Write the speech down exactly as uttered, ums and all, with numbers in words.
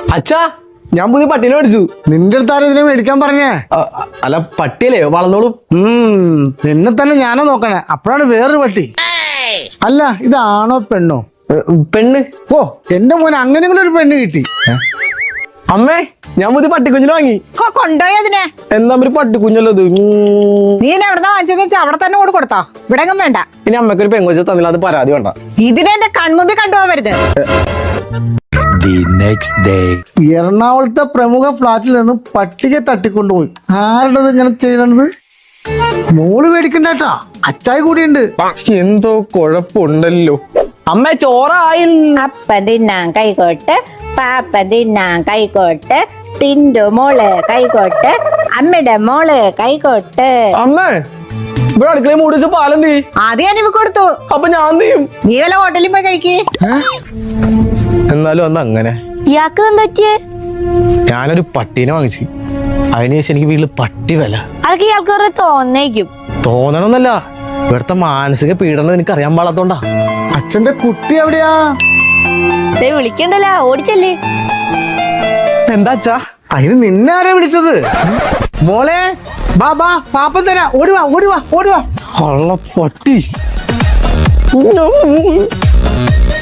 അച്ഛാ ഞാൻ പുതിയ പട്ടീനെ മേടിച്ചു. നിന്റെ അടുത്ത് ആരും ഇതിനെ മേടിക്കാൻ പറഞ്ഞേ? അല്ല പട്ടിയല്ലേ വളർന്നോളും. ഉം നിന്നെ തന്നെ ഞാനോ നോക്കണേ. അപ്പോഴാണ് വേറൊരു പട്ടി. അല്ല ഇതാണോ പെണ്ണോ? പെണ്ണ്. ഓ എന്റെ മോനെ അങ്ങനെങ്കിലും ഒരു പെണ്ണ് കിട്ടി. അമ്മേ ഞാൻ പുതിയ പട്ടിക്കുഞ്ഞിനെ വാങ്ങി. കൊണ്ടുപോയി അതിനെ. എന്താ ഒരു പട്ടിക്കുഞ്ഞല്ലോ ഇത്. നീ എവിടെന്നാ വാങ്ങിച്ചെന്ന് വെച്ചാൽ അവിടെ തന്നെ കൂടെ കൊടുത്തോ. ഇവിടെ എങ്ങും വേണ്ട. ഇനി അമ്മയ്ക്ക് ഒരു പെങ്കൊച്ച തന്നില്ല, അത് പരാതി വേണ്ട. ഇതിനെ എന്റെ കൺമുമ്പിൽ കണ്ടുപോകരുത്. എറണാകുളത്തെ പ്രമുഖ ഫ്ലാറ്റിൽ നിന്ന് പട്ടിക തട്ടിക്കൊണ്ടുപോയി. ആരുടേത് ഇങ്ങനെ ചെയ്യണത്? മോള് മേടിക്കണ്ടേട്ടാ, അച്ചായി കൂടിയുണ്ട്. എന്തോ കുഴപ്പമുണ്ടല്ലോ. അമ്മ ചോറായില്ല. അപ്പൻ തിന്നാൻ കൈകോട്ട്, പാപ്പൻ തിന്നാൻ കൈകോട്ട്, തിന്റെ മോള് കൈകോട്ട്, അമ്മയുടെ മോള് കൈകോട്ട്. അമ്മേ ഇവിടെ അടുക്കളയിൽ മൂടി വെച്ച പാലെന്തി? ആദ്യം ഞാൻ ഇവ കൊടുത്തു. അപ്പൊ ഞാൻ ചെയ്യും. നീ വല്ല ഹോട്ടലിൽ പോയി കഴിക്കേ. എന്നാലും അന്ന് അങ്ങനെ ഇയാൾക്ക് എന്താ പറ്റിയേ? ഞാനൊരു പട്ടീനെ വാങ്ങിച്ചു. അതിനുശേഷം എനിക്ക് വീട്ടില് പട്ടി വില. അതൊക്കെ ഇയാൾക്ക് കുറെ തോന്നേക്കും. തോന്നണമെന്നല്ല, ഇവിടുത്തെ മാനസിക പീഡനം എനിക്ക് അറിയാൻ പാടാത്തോണ്ടാ. അച്ഛന്റെ കുട്ടി എവിടെയാ? വിളിക്കണ്ടല്ലോ, ഓടിച്ചല്ലേ. എന്താ അച്ഛാ? അതിന് നിന്നെ ആരാ വിളിച്ചത്? മോളെ ബാ ബാ, പാപ്പൻ തരാ. ഓടിവാ ഓടിവാ ഓടിവാ. ഉള്ള പട്ടി.